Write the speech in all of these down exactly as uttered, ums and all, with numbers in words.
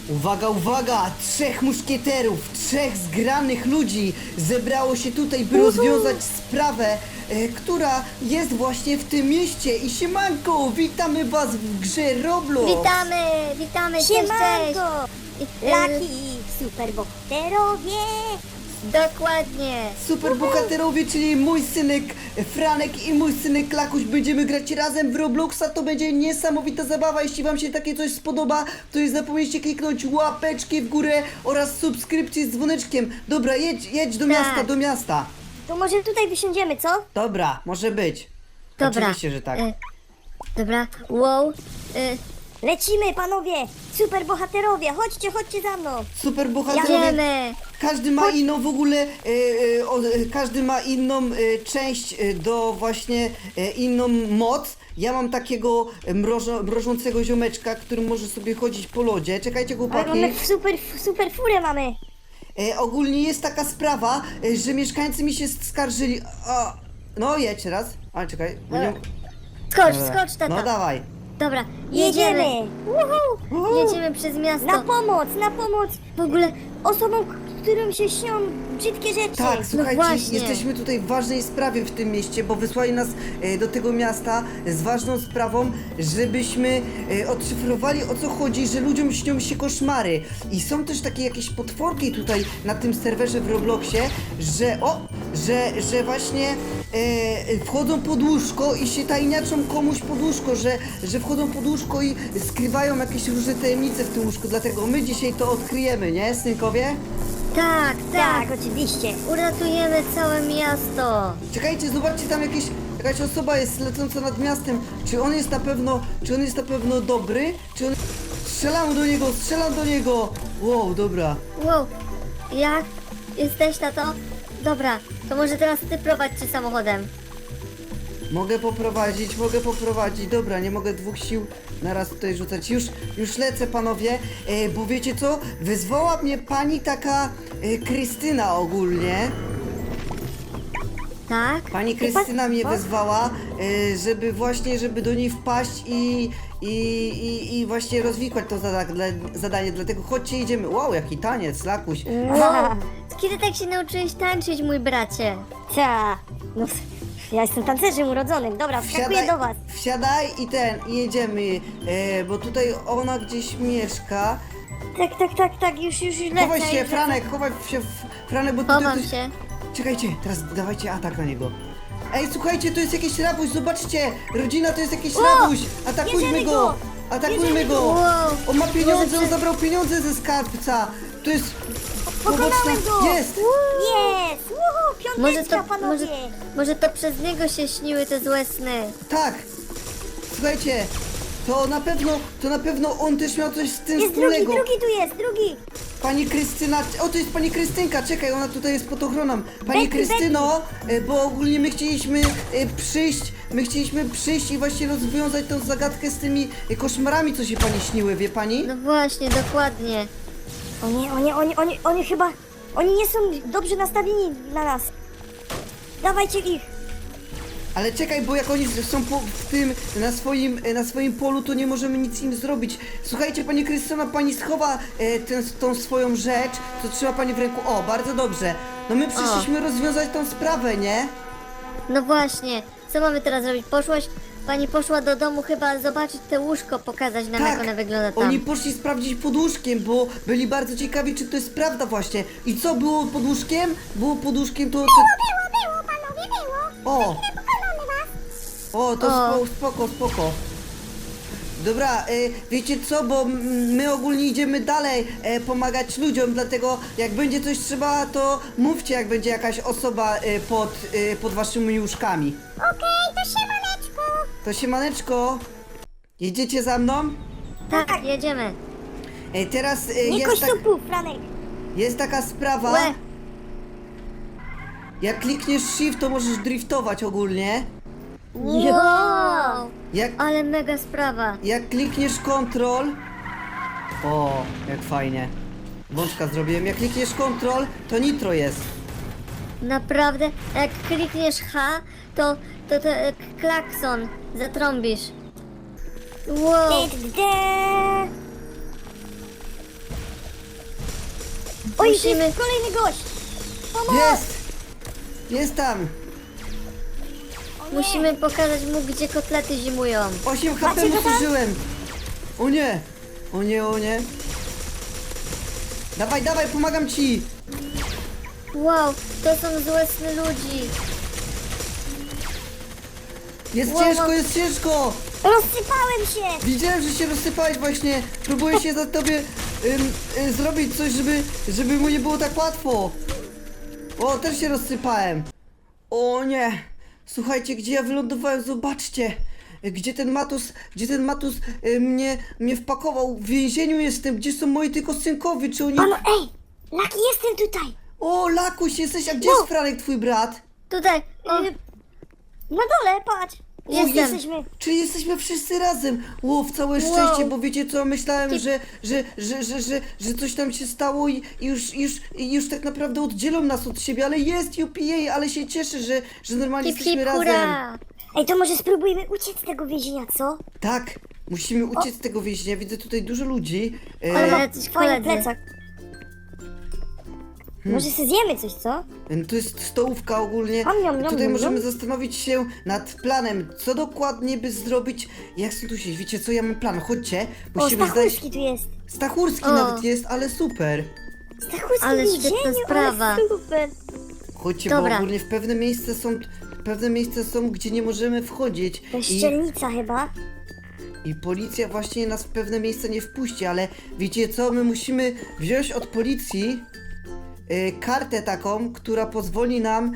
Uwaga, uwaga! Trzech muszkieterów, trzech zgranych ludzi zebrało się tutaj, by rozwiązać sprawę, e, która jest właśnie w tym mieście. I siemanko, witamy was w grze Roblox! Witamy, witamy, cześć, cześć! Siemanko! I- Laki i superbohaterowie! Dokładnie! Superbohaterowie, czyli mój synek Franek i mój synek Lakuś, będziemy grać razem w Robloxa. To będzie niesamowita zabawa. Jeśli wam się takie coś spodoba, to nie zapomnijcie kliknąć łapeczki w górę oraz subskrypcji z dzwoneczkiem. Dobra, jedź, jedź do Tak. miasta, do miasta. To może tutaj wysiądziemy, co? Dobra, może być. Dobra. Oczywiście, że tak. E, dobra, wow. E, Lecimy, panowie! Superbohaterowie, chodźcie, chodźcie za mną! Superbohaterowie. Jedziemy! Każdy ma inną w ogóle, e, e, o, e, każdy ma inną e, część e, do właśnie e, inną moc. Ja mam takiego e, mrożo, mrożącego ziomeczka, który może sobie chodzić po lodzie. Czekajcie, Ale chłopaki. mamy super, super furę mamy! E, ogólnie jest taka sprawa, e, że mieszkańcy mi się skarżyli. O, no jedź raz. Ale czekaj. bo nie- Skocz, Dobra. skocz, tata! No dawaj. Dobra, Jedziemy! jedziemy! Uhu! Jedziemy przez miasto! Na pomoc, na pomoc! W ogóle, Osobom, którym się śnią brzydkie rzeczy! Tak, słuchajcie, właśnie. jesteśmy tutaj w ważnej sprawie w tym mieście, bo wysłali nas e, do tego miasta z ważną sprawą, żebyśmy e, odszyfrowali, o co chodzi, że ludziom śnią się koszmary. I są też takie jakieś potworki tutaj na tym serwerze w Robloxie, że o, że, że właśnie e, wchodzą pod łóżko i się tajniaczą komuś pod łóżko, że, że wchodzą pod łóżko i skrywają jakieś różne tajemnice w tym łóżku, dlatego my dzisiaj to odkryjemy, nie, synkowie? tak, tak! Tak, oczywiście! Uratujemy całe miasto! Czekajcie, zobaczcie, tam jakieś, jakaś osoba jest lecąca nad miastem. Czy on jest na pewno, czy on jest na pewno dobry? Czy on... Strzelam do niego, strzelam do niego! Wow, dobra. Wow, jak? Jesteś, tato? Dobra, to może teraz ty prowadźcie samochodem. Mogę poprowadzić, mogę poprowadzić. Dobra, nie mogę dwóch sił naraz tutaj rzucać. Już, już lecę, panowie, e, bo wiecie co? Wezwała mnie pani taka e, Krystyna ogólnie. Tak? Pani Krystyna mnie wezwała, e, żeby właśnie, żeby do niej wpaść i, i, i, i właśnie rozwikłać to zada dla, zadanie, dlatego chodźcie, idziemy. Wow, jaki taniec, Lakuś. Wow, kiedy tak się nauczyłeś tańczyć, mój bracie? Ta, no, ja jestem tancerzem urodzonym. Dobra, wskakuję do was. wsiadaj i ten, i jedziemy, e, bo tutaj ona gdzieś mieszka. Tak, tak, tak, tak, już, już, już lecę. Chowaj się, już lecę. Franek, chowaj się, Franek, bo tutaj Chowam ktoś... się. Czekajcie, teraz dawajcie atak na niego. Ej, słuchajcie, to jest jakiś rabuś, zobaczcie! Rodzina to jest jakiś O! rabuś! Atakujmy Bierzemy go! go! Atakujmy Bierzemy go! go! Wow. On ma pieniądze, on Może- zabrał pieniądze ze skarbca! To jest... Pokonałem go! Jest! Jest! Uhu, Może piąteczka, to, panowie! może, może to przez niego się śniły te złe sny. Tak! Słuchajcie, to na pewno, to na pewno on też miał coś z tym Jest drugi, wspólnego. drugi tu jest, drugi! Pani Krystyna, o to jest pani Krystynka, czekaj, ona tutaj jest pod ochroną. Pani Betty, Krystyno, e, bo ogólnie my chcieliśmy e, przyjść, my chcieliśmy przyjść i właśnie rozwiązać tą zagadkę z tymi e, koszmarami, co się pani śniły, wie pani? No właśnie, dokładnie. Oni, oni, oni, oni, oni chyba... Oni nie są dobrze nastawieni na nas. Dawajcie ich! Ale czekaj, bo jak oni są po, w tym, na swoim, e, na swoim polu, to nie możemy nic im zrobić. Słuchajcie, pani Krystyna, pani schowa e, ten, tą swoją rzecz, co trzyma pani w ręku. O, bardzo dobrze. No my przyszliśmy rozwiązać tą sprawę, nie? No właśnie, co mamy teraz zrobić? Poszłaś, pani poszła do domu chyba zobaczyć te łóżko, pokazać nam jak one wygląda tam. Oni poszli sprawdzić pod łóżkiem, bo byli bardzo ciekawi, czy to jest prawda właśnie. I co było pod łóżkiem? Było pod łóżkiem to... to... Było, było, panowie, było! O! Pokonamy was! O, to O. spoko, spoko, spoko. Dobra, y, wiecie co, bo mm, my ogólnie idziemy dalej e, pomagać ludziom, dlatego jak będzie coś trzeba, to mówcie, jak będzie jakaś osoba y, pod, y, pod waszymi łóżkami. Okej, to siemaneczko! To siemaneczko, jedziecie za mną? Tak, jedziemy. E, teraz y, Nie jest, kość tak, supów, Franek! jest taka sprawa, Łe. jak klikniesz shift, to możesz driftować ogólnie. Wow, Jak, ale mega sprawa. jak klikniesz control... O, jak fajnie. Wączka zrobiłem. Jak klikniesz control, to nitro jest. Naprawdę, jak klikniesz H, to, to, to e, klakson zatrąbisz. Wow, Dy, dy, dy. Oj, Musimy- jest kolejny gość! Pomoc! Jest! Jest tam! O nie. Musimy pokazać mu, gdzie kotlety zimują. osiem H P Macie mu go tam? zużyłem! O nie! O nie, o nie! Dawaj, dawaj, pomagam ci! Wow, to są złe sny ludzi. Jest Wow, ciężko, wow. jest ciężko! Rozsypałem się! Widziałem, że się rozsypałeś właśnie. Próbuję się za tobie ym, y, zrobić coś, żeby, żeby mu nie było tak łatwo. O, też się rozsypałem. O nie. Słuchajcie, gdzie ja wylądowałem, zobaczcie. Gdzie ten Matus, gdzie ten Matus y, mnie, mnie wpakował. W więzieniu jestem, gdzie są moi tylko synkowie, czy oni... Mamo, ej! Laki, jestem tutaj! O, Lakuś, jesteś, a gdzie Wow. jest Franek, twój brat? Tutaj, o, Y, Na dole, patrz! Jestem. Jesteśmy. Czyli jesteśmy wszyscy razem. Ło, w całe Wow. szczęście, bo wiecie co, myślałem, Ty- że, że, że, że, że, że coś tam się stało i i już, już, i już tak naprawdę oddzielą nas od siebie, ale jest U P A, ale się cieszę, że, że normalnie hip jesteśmy hip razem. hura. Ej, to może spróbujmy uciec z tego więzienia, co? Tak, musimy uciec z tego więzienia, widzę tutaj dużo ludzi. E, Ale- Ma jacyś fajny koledzy. plecak. Może sobie zjemy coś, co? To jest stołówka ogólnie. Am, niam, niam, Tutaj niam, możemy niam. zastanowić się nad planem, co dokładnie by zrobić. Jak stąd tu się, wiecie co, ja mam plan, chodźcie, O, musimy znaleźć... Stachurski tu jest. Stachurski O. nawet jest, ale super. Stachurski Ale w świetna więzieniu, sprawa. ale super. Chodźcie, Dobra. bo ogólnie w pewne miejsca są, pewne miejsca są, gdzie nie możemy wchodzić. To I, szczelnica chyba. I policja właśnie nas w pewne miejsca nie wpuści, ale wiecie co, my musimy wziąć od policji y, kartę taką, która pozwoli nam...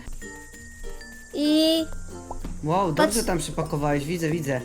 I Wow, dobrze Patrz- tam przypakowałeś, widzę, widzę.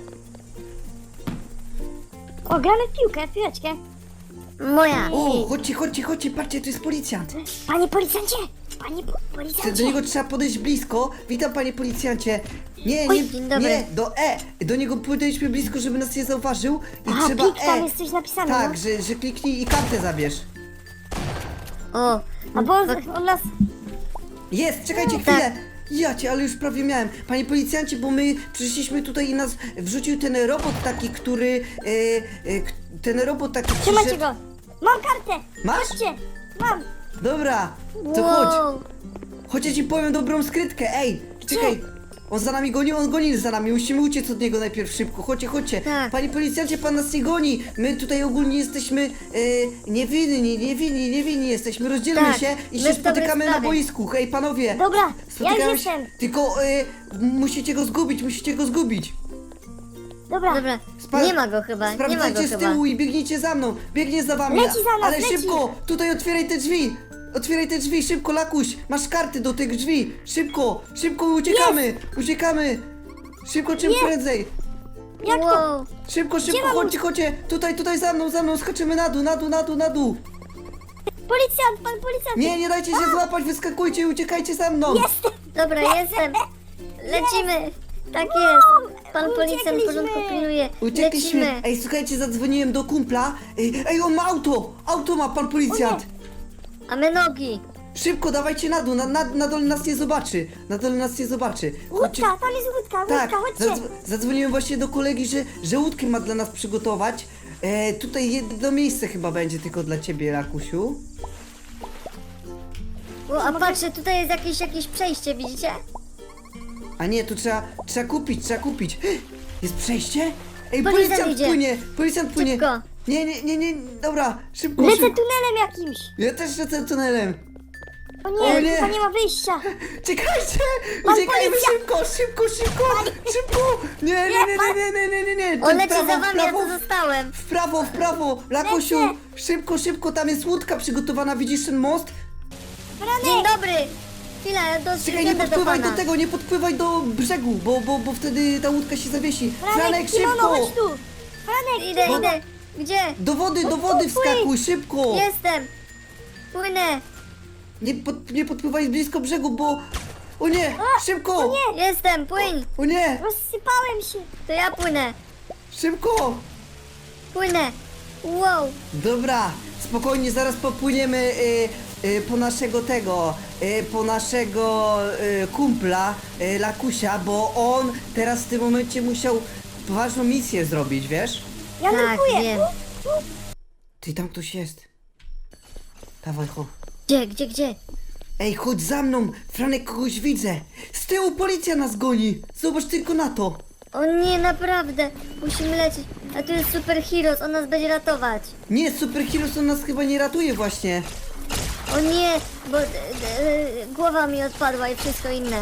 O, gramy w piłkę, w piłeczkę. moja. O, chodźcie, chodźcie, chodźcie, patrzcie, to jest policjant. Panie policjancie! Panie po Do policjancie! niego trzeba podejść blisko. Witam, panie policjancie. Nie, Oj, nie, dzień dobry. nie, do E. Do niego podejdźmy blisko, żeby nas nie zauważył. I A, trzeba pik, tam E. jest coś napisane, Tak, no. że, że kliknij i kartę zabierz. O, A bo on, on nas... Jest, czekajcie chwilę. Ja cię, ale już prawie miałem. Panie policjancie, bo my przyszliśmy tutaj i nas wrzucił ten robot taki, który... E, e, k- ten robot taki Trzymacie przyszedł- go! Mam kartę! Masz? Chodźcie! Mam! Dobra, to chodź. wow. Chodź, ja ci powiem dobrą skrytkę. Ej, czekaj. On za nami goni, on goni za nami. Musimy uciec od niego najpierw szybko. Chodźcie, chodźcie. Tak. Panie policjancie, pan nas nie goni. My tutaj ogólnie jesteśmy e, niewinni, niewinni, niewinni jesteśmy. Rozdzielmy Tak, się i my się w dobrej spotykamy na sprawie. boisku. Hej, panowie. Dobra, ja Spotykamy już się. jestem. Tylko e, musicie go zgubić, musicie go zgubić. Dobra. Dobra, Spra- nie ma go chyba, nie ma go Sprawdzajcie z chyba. tyłu i biegnijcie za mną. Biegnie za wami. Leci za nas, Ale leci. szybko, tutaj otwieraj te drzwi. Otwieraj te drzwi, szybko, Lakuś. Masz karty do tych drzwi. Szybko, szybko uciekamy. Uciekamy. Szybko, czym prędzej. Jak to? Wow. Szybko, szybko, mam chodźcie, chodźcie. Tutaj, tutaj za mną, za mną. Skaczymy na dół, na dół, na dół, na dół. Policjant, pan policjant! Nie, nie dajcie się złapać, wyskakujcie i uciekajcie za mną. Jestem! Dobra, jestem. Lecimy. Tak jest. Pan policjant Uciekliśmy. porządku pilnuje. Uciekliśmy. Lecimy. Ej, słuchajcie, zadzwoniłem do kumpla. Ej, ej, on ma auto. Auto ma pan policjant. A my nogi. Szybko, dawajcie na dół, na, na, na dole nas nie zobaczy. Na dole nas nie zobaczy. Chodźcie- Łódka, tam jest łódka, Tak, łódka, chodźcie! zadzw- zadzwoniłem właśnie do kolegi, że, że łódkę ma dla nas przygotować. E, tutaj jedno miejsce chyba będzie tylko dla ciebie, Rakusiu. O, a patrzcie, tutaj jest jakieś, jakieś przejście, widzicie? A nie, tu trzeba, trzeba kupić, trzeba kupić. Jest przejście? Ej, Policjant policjant idzie. płynie, policjant płynie. Szybko. Nie, nie, nie, nie, dobra, szybko, Lecę szybko. tunelem jakimś! Ja też lecę tunelem. O O nie, nie. chyba nie ma wyjścia! Czekajcie! Pan Uciekajmy policja! szybko, szybko, szybko! Szybko! Nie, nie, nie, nie, nie, nie, nie, nie, nie! On Ten leci prawo, za w wami, ja prawo, tu zostałem. w prawo, w prawo! Lakusiu, Lecę. szybko, szybko, tam jest łódka przygotowana, widzisz ten most? Dzień Franek! dobry. Chwila, do Czekaj, nie jadę do podpływaj do pana. tego, nie podpływaj do brzegu, bo, bo, bo wtedy ta łódka się zawiesi. Franek, Franek, kimono, szybko! chodź tu! Franek, Idę, kimono. idę. Gdzie? Do wody, do wody wskakuj, szybko! Jestem. Płynę. Nie, pod, nie podpływaj blisko brzegu, bo... O nie, szybko! nie. Jestem, płyń. O nie, Rozsypałem się! To ja płynę. szybko! Płynę. Wow. Dobra, spokojnie, zaraz popłyniemy y, y, po naszego tego, y, po naszego y, kumpla, y, Lakusia, bo on teraz w tym momencie musiał ważną misję zrobić, wiesz? Ja Tak, nurkuję! wiem. Ty, tam ktoś jest. Dawaj, ho. Gdzie, gdzie, gdzie? Ej, chodź za mną! Franek, kogoś widzę! Z tyłu policja nas goni! Zobacz tylko na to! O nie, naprawdę. Musimy lecieć. A tu jest Super Heroes, on nas będzie ratować. Nie, Super Heroes on nas chyba nie ratuje właśnie! O nie, bo e, e, głowa mi odpadła i wszystko inne.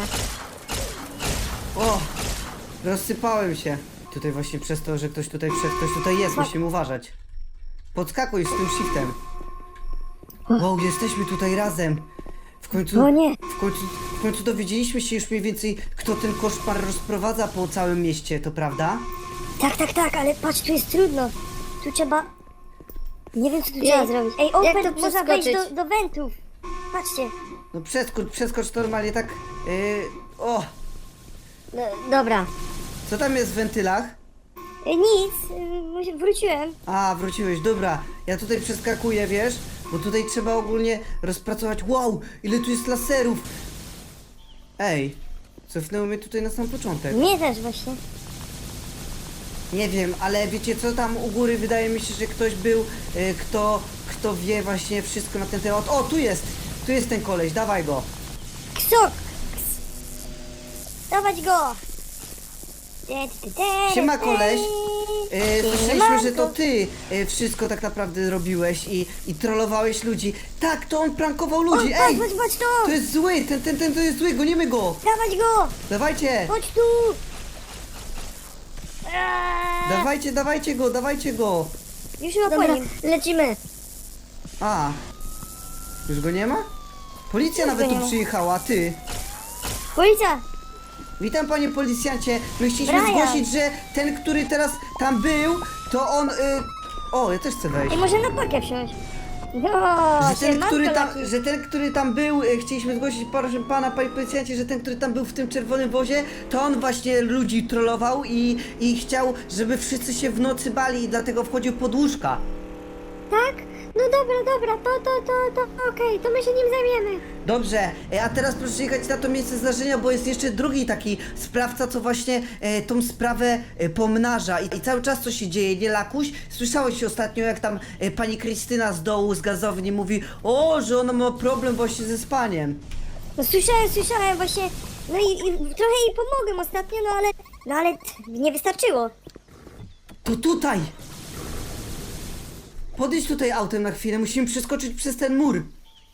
O! Rozsypałem się. Tutaj właśnie przez to, że ktoś tutaj przed, ktoś tutaj jest, musimy uważać. Podskakuj z tym shiftem. Wow, jesteśmy tutaj razem. W końcu, O nie. w końcu, w końcu dowiedzieliśmy się już mniej więcej, kto ten koszmar rozprowadza po całym mieście, to prawda? Tak, tak, tak, ale patrz, tu jest trudno. Tu trzeba... Nie wiem, co tu Ej, trzeba zrobić. Ej, jak Open, to można wejść do, przeskoczyć? do wentów. Patrzcie. No przeskocz, przeskocz normalnie tak. Yy, o! No, dobra. Co tam jest w wentylach? E, nic, e, wróciłem. A, wróciłeś, dobra. Ja tutaj przeskakuję, wiesz? Bo tutaj trzeba ogólnie rozpracować. Wow, ile tu jest laserów! Ej, cofnęło mnie tutaj na sam początek. Mnie też właśnie. Nie wiem, ale wiecie co, tam u góry wydaje mi się, że ktoś był, y, kto, kto wie właśnie wszystko na ten temat. O, tu jest! Tu jest ten koleś, dawaj go! Ksok! Dawać go! Te, te, te, Siema, te. koleś. E, słyszeliśmy, Siemanko. że to ty e, wszystko tak naprawdę robiłeś i, i trollowałeś ludzi. Tak, to on prankował O, ludzi. patrz, Ej! patrz, patrz to! To jest zły, ten, ten, ten to jest zły, gonimy go! Dawać go! Dawajcie! Chodź tu! Eee, Dawajcie, dawajcie go, dawajcie go! Już chyba po Dobra, nim. lecimy. A, już go nie ma? Policja Już nawet go nie tu ma. przyjechała, ty! Policja! Witam, panie policjancie. My chcieliśmy Brian. zgłosić, że ten, który teraz tam był, to on... Y... O, ja też chcę wejść. I może na pakę wsiąść. No, Że ten, siemanko, który tam, Laki. że ten, który tam był, e, chcieliśmy zgłosić, proszę pana, panie policjancie, że ten, który tam był w tym czerwonym wozie, to on właśnie ludzi trollował i, i chciał, żeby wszyscy się w nocy bali i dlatego wchodził pod łóżka. Tak? No dobra, dobra, to, to, to, to, okej, to my się nim zajmiemy. Dobrze, e, a teraz proszę jechać na to miejsce zdarzenia, bo jest jeszcze drugi taki sprawca, co właśnie e, tą sprawę e, pomnaża I, i cały czas co się dzieje, nie Lakuś? Słyszałeś ostatnio, jak tam e, pani Krystyna z dołu, z gazowni mówi, o, że ona ma problem właśnie ze spaniem. No słyszałem, słyszałem właśnie. No i, i trochę jej pomogłem ostatnio, no ale... No ale t- nie wystarczyło. To tutaj! Podejdź tutaj autem na chwilę, musimy przeskoczyć przez ten mur.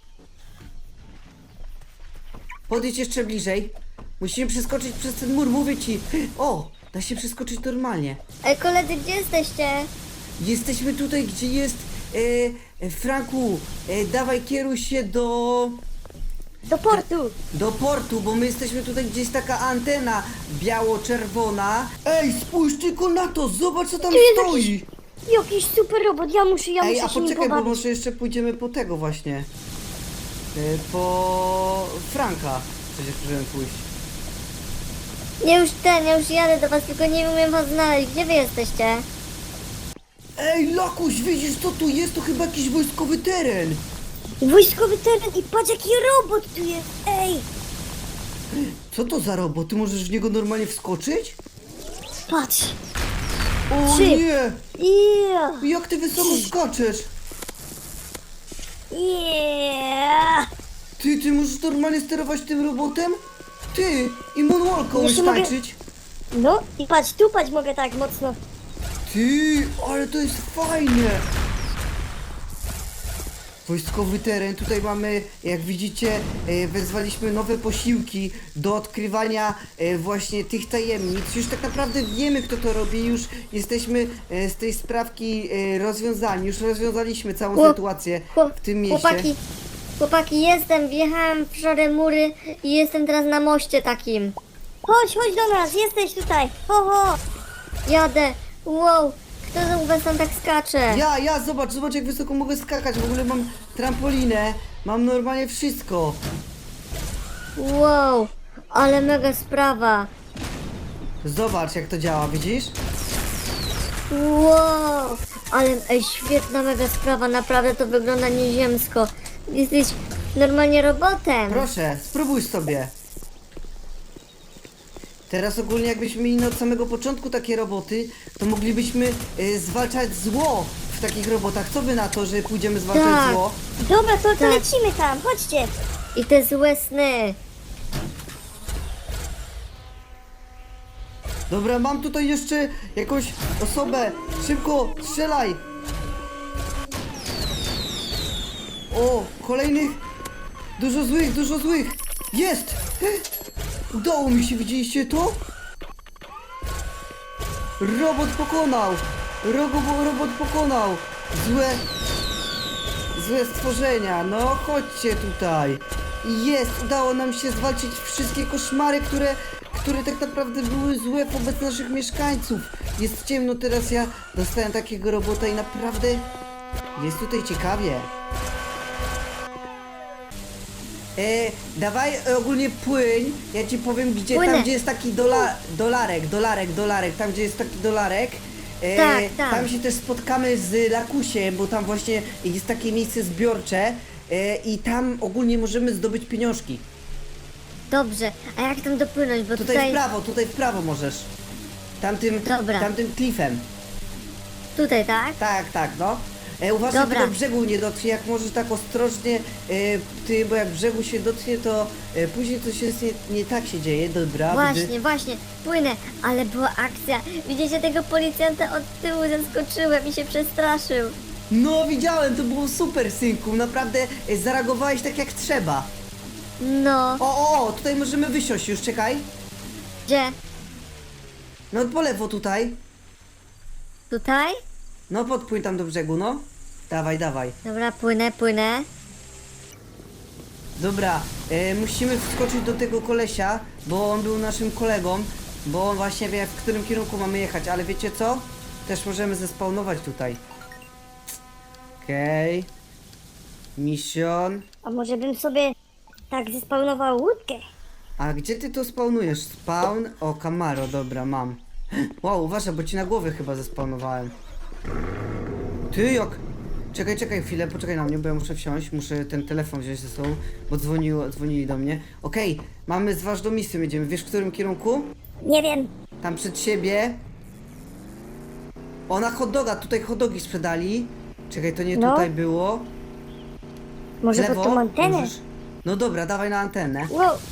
Podejdź jeszcze bliżej. Musimy przeskoczyć przez ten mur, mówię ci. O, da się przeskoczyć normalnie. Ej, koledzy, gdzie jesteście? Jesteśmy tutaj, gdzie jest... E, e, Franku, e, dawaj kieruj się do... Do portu. Do portu, bo my jesteśmy tutaj, gdzie jest taka antena biało-czerwona. Ej, spójrz tylko na to, zobacz co tam Tu jest stoi. jakiś, jakiś super robot, ja muszę, ja Ej, muszę a się nim poczekaj, bo pobawić. może jeszcze pójdziemy po tego właśnie. Y, Po Franka przecież możemy pójść. Nie już ten, ja już jadę do was, tylko nie umiem was znaleźć. Gdzie wy jesteście? Ej, Lakuś, widzisz co tu jest? To chyba jakiś wojskowy teren. Wojskowy teren i patrz jaki robot tu jest, ej! Co to za robot? Ty możesz w niego normalnie wskoczyć? Patrz. O Trzy. nie! Yeah. Jak ty wysoko skaczesz? Yeah. Ty, ty możesz normalnie sterować tym robotem? Ty! I moonwalka umiesz Jeszcze mogę- tańczyć? No i patrz, tu patrz mogę tak mocno. Ty, ale to jest fajne! Wojskowy teren, tutaj mamy, jak widzicie, e, wezwaliśmy nowe posiłki do odkrywania e, właśnie tych tajemnic. Już tak naprawdę wiemy, kto to robi, już jesteśmy e, z tej sprawki e, rozwiązani, już rozwiązaliśmy całą Chłop- sytuację Chłop- w tym mieście. Chłopaki, chłopaki, jestem, wjechałem w szare mury i jestem teraz na moście takim. Chodź, chodź do nas, jesteś tutaj. Ho, ho. Jadę, wow, kto u was tam tak skacze? Ja, ja, zobacz, zobacz jak wysoko mogę skakać, w ogóle mam trampolinę, mam normalnie wszystko. Wow, ale mega sprawa. Zobacz jak to działa, widzisz? Wow, ale ej, świetna mega sprawa, naprawdę to wygląda nieziemsko. Jesteś normalnie robotem. Proszę, spróbuj sobie. Teraz ogólnie jakbyśmy mieli od samego początku takie roboty, to moglibyśmy y, zwalczać zło w w takich robotach. Co wy na to, że pójdziemy zwalczać Tak. zło? Dobra, to, to Tak. lecimy tam, chodźcie. I te złe sny. Dobra, mam tutaj jeszcze jakąś osobę. Szybko, strzelaj! O, kolejnych. Dużo złych, dużo złych. Jest! Udało mi się, widzieliście to? Robot pokonał! Robo, robot pokonał! Złe... Złe stworzenia, no chodźcie tutaj! I jest, udało nam się zwalczyć wszystkie koszmary, które, które tak naprawdę były złe wobec naszych mieszkańców. Jest ciemno, teraz ja dostałem takiego robota i naprawdę jest tutaj ciekawie. E, dawaj e, ogólnie płyń, ja ci powiem gdzie, Płynę. tam gdzie jest taki dola, dolarek, dolarek, dolarek, tam gdzie jest taki dolarek. E, Tak, tak. Tam się też spotkamy z Lakusiem, bo tam właśnie jest takie miejsce zbiorcze e, i tam ogólnie możemy zdobyć pieniążki. Dobrze, a jak tam dopłynąć, bo Tutaj, tutaj... w prawo, tutaj w prawo możesz. Tamtym, Dobra. tamtym klifem. Tutaj, tak? Tak, tak, no. E, uważaj, Dobra. tylko brzegu nie dotknie, jak możesz tak ostrożnie, e, ty, bo jak brzegu się dotknie, to e, później coś jest nie, nie tak się dzieje, dobra. Właśnie, widzę. właśnie, płynę, ale była akcja. Widzicie tego policjanta od tyłu, zaskoczyłem i się przestraszył. No widziałem, to było super, synku, naprawdę e, zareagowałeś tak jak trzeba. No, O, o, o, tutaj możemy wysiąść już, czekaj. gdzie? No po lewo tutaj. Tutaj? No podpłyń tam do brzegu, no. Dawaj, dawaj. Dobra, płynę, płynę. Dobra, e, musimy wskoczyć do tego kolesia, bo on był naszym kolegą, bo on właśnie wie, w którym kierunku mamy jechać, ale wiecie co? Też możemy zespawnować tutaj. Okej. Okay. Mission. A może bym sobie tak zespawnował łódkę? A gdzie ty to spawnujesz? Spawn? O, Camaro, dobra, mam. Wow, uważaj, bo ci na głowę chyba zespawnowałem. Ty jak... Czekaj, czekaj chwilę, poczekaj na mnie, bo ja muszę wsiąść, muszę ten telefon wziąć ze sobą, bo dzwoniło, dzwonili do mnie. Okej, mamy z ważną misją, jedziemy. Wiesz, w którym kierunku? Nie wiem. Tam przed siebie. O, na hot doga, tutaj hot dogi sprzedali. Czekaj, to nie No. tutaj było. W Może lewo? pod tą antenę? Możesz? No dobra, dawaj na antenę. Wow,